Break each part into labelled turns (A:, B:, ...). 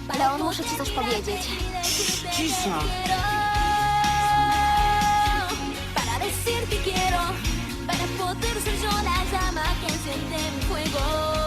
A: Leon, muszę ci coś powiedzieć.
B: Cisza!
C: Para decirte quiero, para poder ser yo la llama que enciende mi fuego.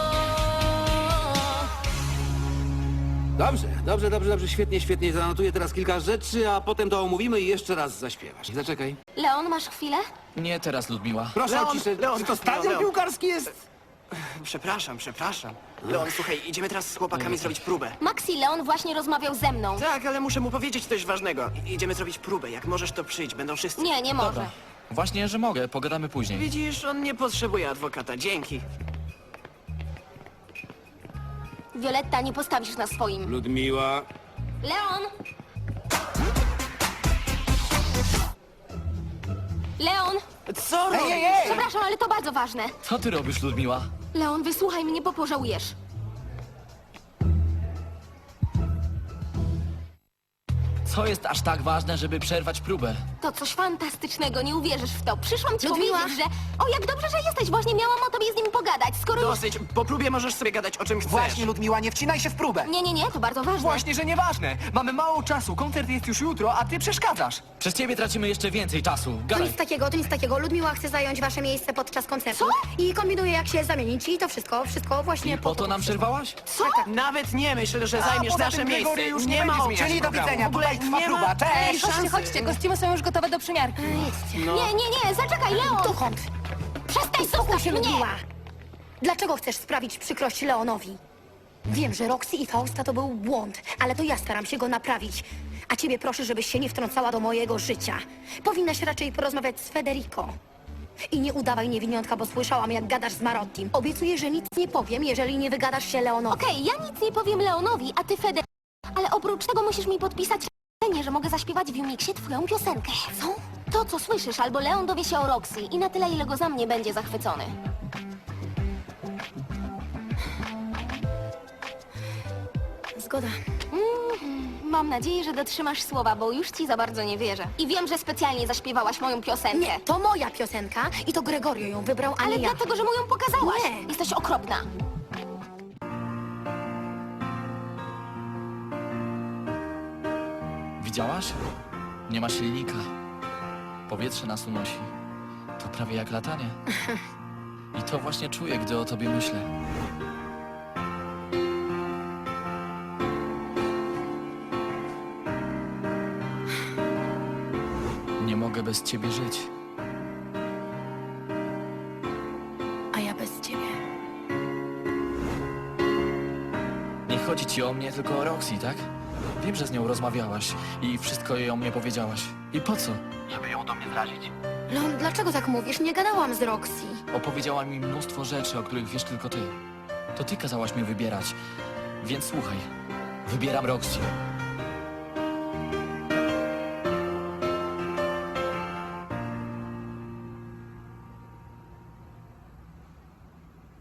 B: Dobrze, świetnie. Zanotuję teraz kilka rzeczy, a potem to omówimy i jeszcze raz zaśpiewasz. Zaczekaj.
A: Leon, masz chwilę?
D: Nie teraz, Ludmiła.
B: Proszę o
E: Leon,
B: ciszę.
E: Leon,
B: Czy to stadion
E: Leon.
B: piłkarski jest?
E: Przepraszam. Leon, słuchaj, idziemy teraz z chłopakami zrobić próbę.
A: Maxi, Leon właśnie rozmawiał ze mną.
E: Tak, ale muszę mu powiedzieć coś ważnego. Idziemy zrobić próbę. Jak możesz, to przyjdź. Będą wszyscy.
A: Nie może.
D: Dobra. Właśnie, że mogę. Pogadamy później.
E: Widzisz, on nie potrzebuje adwokata. Dzięki.
A: Violetta, nie postawisz na swoim.
B: Ludmiła.
A: Leon! Leon!
E: Co robisz?
A: Przepraszam, ale to bardzo ważne.
D: Co ty robisz, Ludmiła?
A: Leon, wysłuchaj mnie, bo pożałujesz.
D: Co jest aż tak ważne, żeby przerwać próbę?
A: To coś fantastycznego, nie uwierzysz w to. Przyszłam ci
C: Ludmiła?
A: powiedzieć, że... O, jak dobrze, że jesteś. Właśnie miałam o tobie z nim pogadać. Skoro już...
E: Dosyć. Po próbie możesz sobie gadać o czym chcesz.
F: Właśnie, Ludmiła, nie wcinaj się w próbę.
A: Nie, to bardzo ważne.
F: Właśnie, że nieważne. Mamy mało czasu, koncert jest już jutro, a ty przeszkadzasz.
D: Przez ciebie tracimy jeszcze więcej czasu.
C: To
D: Gadaj.
C: nic takiego. Ludmiła chce zająć wasze miejsce podczas koncertu. I kombinuje, jak się zamienić. I to wszystko właśnie
D: I po to nam przerwałaś?
A: Co?
E: Nawet nie myśl, że
F: A
E: zajmiesz
F: poza
E: nasze
F: tym
E: miejsce.
F: Gregory już nie
E: ma
F: będzie
E: opcji.
F: zmieniać Czyli do programu. widzenia,
E: W ogóle
F: tutaj trwa
E: nie ma
F: próba.
E: tej
F: Cześć!
E: szansy.
G: kostiumy są już gotowe do przymiarki.
E: No.
A: Nie, zaczekaj, Leon!
C: Dokąd?
A: Przestań,
C: Spokój
A: zostaw
C: się,
A: mnie!
C: Ludmiła. Dlaczego chcesz sprawić przykrość Leonowi? Wiem, że Roxy i Fausta to był błąd, ale to ja staram się go naprawić. A ciebie proszę, żebyś się nie wtrącała do mojego życia. Powinnaś raczej porozmawiać z Federico. I nie udawaj niewiniątka, bo słyszałam, jak gadasz z Marottim. Obiecuję, że nic nie powiem, jeżeli nie wygadasz się Leonowi.
A: Okej, ja nic nie powiem Leonowi, a ty Feder... Ale oprócz tego musisz mi podpisać że mogę zaśpiewać w Umixie twoją piosenkę. Co? To, co słyszysz, albo Leon dowie się o Roxy i na tyle, ile go za mnie będzie zachwycony.
C: Zgoda.
A: Mam nadzieję, że dotrzymasz słowa, bo już ci za bardzo nie wierzę. I wiem, że specjalnie zaśpiewałaś moją piosenkę.
C: Nie, to moja piosenka i to Gregorio ją wybrał, a
A: Ale
C: nie ja.
A: dlatego, że mu ją pokazałaś.
C: Nie.
A: Jesteś okropna.
D: Widziałaś? Nie ma silnika. Powietrze nas unosi. To prawie jak latanie. I to właśnie czuję, gdy o tobie myślę. Nie mogę bez ciebie żyć.
C: A ja bez ciebie.
D: Nie chodzi ci o mnie, tylko o Roxy, tak? Wiem, że z nią rozmawiałaś i wszystko jej o mnie powiedziałaś. I po co? Żeby ją do mnie zrazić.
C: Leon, dlaczego tak mówisz? Nie gadałam z Roxy.
D: Opowiedziała mi mnóstwo rzeczy, o których wiesz tylko ty. To ty kazałaś mi wybierać. Więc słuchaj. Wybieram Roxy.